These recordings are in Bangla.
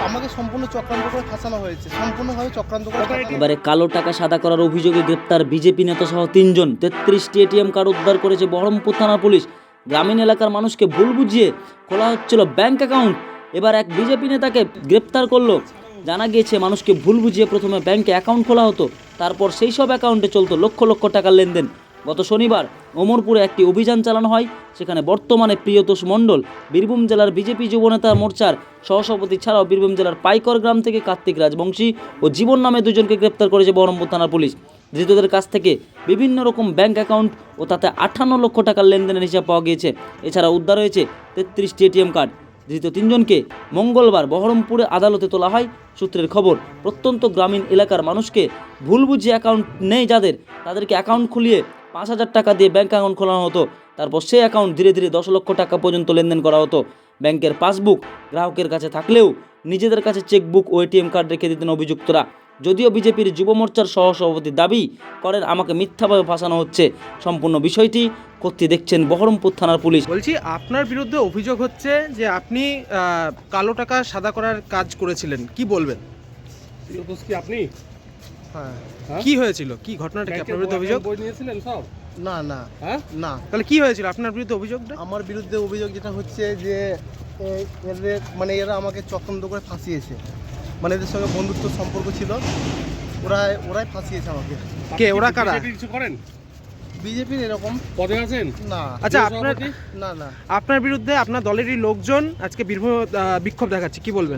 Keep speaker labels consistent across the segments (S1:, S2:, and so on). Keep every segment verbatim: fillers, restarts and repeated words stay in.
S1: আমাকে সম্পূর্ণ চক্রান্ত করে ফাঁসানো হয়েছে, সম্পূর্ণভাবে চক্রান্ত করে।
S2: এবারে কালো টাকা সাদা করার অভিযোগে গ্রেপ্তার বিজেপি নেতা সহ তিনজন। তেত্রিশটি এটিএম কার্ড উদ্ধার করেছে বহরমপুর থানার পুলিশ। গ্রামীণ এলাকার মানুষকে ভুল বুঝিয়ে খোলা হচ্ছিল ব্যাংক অ্যাকাউন্ট। এবার এক বিজেপি নেতাকে গ্রেপ্তার করলো। জানা গিয়েছে মানুষকে ভুল বুঝিয়ে প্রথমে ব্যাংকে অ্যাকাউন্ট খোলা হতো, তারপর সেই সব অ্যাকাউন্টে চলতো লক্ষ লক্ষ টাকার লেনদেন। গত শনিবার ওমরপুরে একটি অভিযান চালানো হয়। সেখানে বর্তমানে প্রিয়তোষ মণ্ডল বীরভূম জেলার বিজেপি যুবনেতা মোর্চার সহসভাপতি ছাড়াও বীরভূম জেলার পাইকর গ্রাম থেকে কার্তিক রাজবংশী ও জীবন নামে দুজনকে গ্রেপ্তার করেছে বহরমপুর থানার পুলিশ। ধৃতদের কাছ থেকে বিভিন্ন রকম ব্যাংক অ্যাকাউন্ট ও তাতে আটান্ন লক্ষ টাকার লেনদেনের হিসাব পাওয়া গিয়েছে। এছাড়া উদ্ধার হয়েছে তেত্রিশটি এটিএম কার্ড। ধৃত তিনজনকে মঙ্গলবার বহরমপুরে আদালতে তোলা হয়। সূত্রের খবর, প্রত্যন্ত গ্রামীণ এলাকার মানুষকে ভুল বুঝিয়ে অ্যাকাউন্ট নেই যাদের, তাদেরকে অ্যাকাউন্ট খুলিয়ে পাঁচ হাজার টাকা দিয়ে ব্যাঙ্ক অ্যাকাউন্ট খোলানো হতো। তারপর সেই অ্যাকাউন্ট ধীরে ধীরে দশ লক্ষ টাকা পর্যন্ত লেনদেন করা হতো। ব্যাংকের পাসবুক গ্রাহকের কাছে থাকলেও নিজেদের কাছে চেকবুক ও এটিএম কার্ড রেখে দিতেন অভিযুক্তরা। যদিও বিজেপির যুব মোর্চার সহসভাপতি দাবি করেন আমাকে মিথ্যাভাবে ফাঁসানো হচ্ছে। সম্পূর্ণ বিষয়টি খতিয়ে দেখছেন বহরমপুর থানার পুলিশ।
S3: বলছি, আপনার বিরুদ্ধে অভিযোগ হচ্ছে যে আপনি আহ, কালো টাকা সাদা করার কাজ করেছিলেন, কি বলবেন?
S4: প্রিয়তোষ কি আপনি?
S3: হ্যাঁ,
S4: হ্যাঁ?
S3: কি হয়েছিল, কি ঘটনাটা কি আপনার বিরুদ্ধে অভিযোগ?
S4: বই নিয়েছিলেন সব?
S1: না না
S4: হ্যাঁ,
S1: না,
S3: তাহলে কি হয়েছিল আপনার বিরুদ্ধে অভিযোগটা?
S1: আমার বিরুদ্ধে অভিযোগ যেটা হচ্ছে যে এ- এদের মানে এরা আমাকে চক্রান্ত করে ফাঁসিয়েছে। মানে এদের সঙ্গে বন্ধুত্ব সম্পর্ক ছিল, ওরা ওরাই ফাঁসিয়েছে আমাকে।
S3: কে ওরা, কারা?
S4: বিজেপি কিছু করেন?
S1: বিজেপির এরকম
S4: পদে আছেন?
S1: না।
S3: আচ্ছা,
S4: প্রিয়
S3: আপনার
S4: সভাপতি?
S1: না না,
S3: আপনার বিরুদ্ধে আপনার দলেরই লোকজন আজকে বীরভূম আহ, বিক্ষোভ দেখাচ্ছে, কি বলবেন?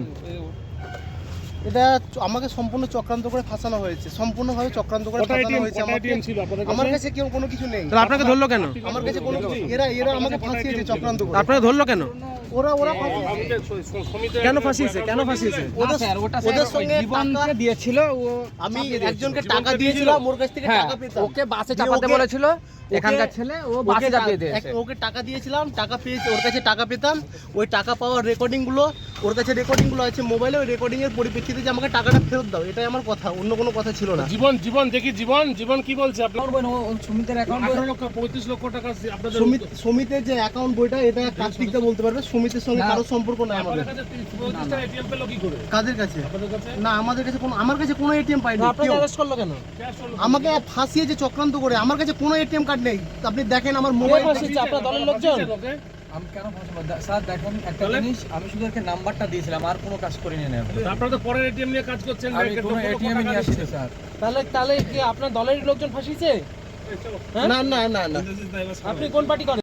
S1: এটা চ- আমাকে সম্পূর্ণ চক্রান্ত করে ফাঁসানো হয়েছে, সম্পূর্ণভাবে চক্রান্ত করে
S4: কটা
S1: ফাঁসানো
S4: এটিএম
S1: হয়েছে
S4: কটা
S1: আমাকে।
S4: এটিএম ছিল আপনাদের
S1: আমার
S4: কাছে?
S1: কাছে কেউ কোনো কিছু নেই,
S3: তাহলে আপনাকে ধরলো কেন?
S1: আমার কাছে কোনো কিছু, এরা এরা আমাকে ফাঁসিয়েছে চক্রান্ত করে।
S3: আপনাকে ধরলো কেন?
S1: ওরা ওরা ফাঁসিয়েছে।
S4: আমি তো স- স- সমিতি
S3: কেন ফাঁসিয়েছে, কেন ফাঁসিয়েছে?
S1: ওদের ওদের সঙ্গে টাকা
S5: দিয়েছিল, ও
S1: আমি
S5: চাপিয়ে
S1: একজনকে
S4: জীবনকে
S1: টাকা
S4: দিয়েছিল?
S1: দিয়েছিলাম, ওর কাছ থেকে
S5: হ্যাঁ,
S1: টাকা পেতাম।
S5: ওকে বাসে
S1: দিয়ে
S5: চাপাতে
S1: ওকে-
S5: বলেছিল এখানকার
S1: ওকে-
S5: ছেলে, ও
S1: ওকে
S5: বাসে চাপিয়ে
S1: টা-
S5: দিয়েছে।
S1: এক- ওকে টাকা দিয়েছিলাম, টাকা পেয়েছে, ওর কাছে টাকা পেতাম। ওই টাকা পাওয়ার রেকর্ডিং গুলো ওর কাছে রেকর্ডিং গুলো আছে মোবাইলে, ওই রেকর্ডিং এর পরিপ্রেক্ষিতে যে আমাকে টাকাটা ফেরত দাও, এটাই আমার কথা, অন্য কোনো কথা ছিল না।
S4: জীবন জীবন দেখি জীবন জীবন কি বলছে আপনার?
S5: সুমিতের অ্যাকাউন্ট
S4: আঠারো লক্ষ পঁয়ত্রিশ লক্ষ টাকা আপনাদের
S1: সমিত সমিতের যে অ্যাকাউন্ট বইটা, এটা কার্তিকদা বলতে পারবে, সমিতের সঙ্গে
S5: না।
S1: কারো সম্পর্ক নাই আমাদের।
S4: আপনাদের কাছে পঁয়ত্রিশ টাকা এটিএম পেলো কি করে?
S1: কাদের কাছে?
S4: আপনাদের কাছে
S1: না, আমাদের কাছে কোনো, আমার কাছে কোনো এটিএম পাইনি
S3: আপনাকে
S1: কেউ।
S3: অ্যারেস্ট করলো কেন?
S4: ক্যাশ হলো?
S1: আমাকে ফাঁসিয়েছে চক্রান্ত করে, আমার কাছে কোনো এটিএম কার্ড নেই। আপনি দেখেন আমার
S3: কে
S1: মোবাইল,
S3: ফাঁসিয়েছে? আপনার দলের লোকজন?
S4: ওকে?
S5: আমি কেন ফোন স্যার দেখুন একটা
S4: তাহলে?
S5: জিনিস, আমি শুধু এর নাম্বারটা দিয়েছিলাম, আর কোনো কাজ করিনি না।
S4: আপনারা তো পরের এটিএম নিয়ে কাজ করছেন।
S5: আমি
S4: ব্যাংকের
S5: কোনো
S4: লক্ষ লক্ষ
S5: এটিএম
S4: টাকা
S5: নিয়ে আসছি
S4: দিচ্ছেন।
S5: স্যার।
S3: তাহলে তাহলে কি আপনার দলেরই লোকজন ফাঁসিয়েছে?
S4: এই চলো।
S1: না না না না।
S3: আপনি কোন পার্টি করেন?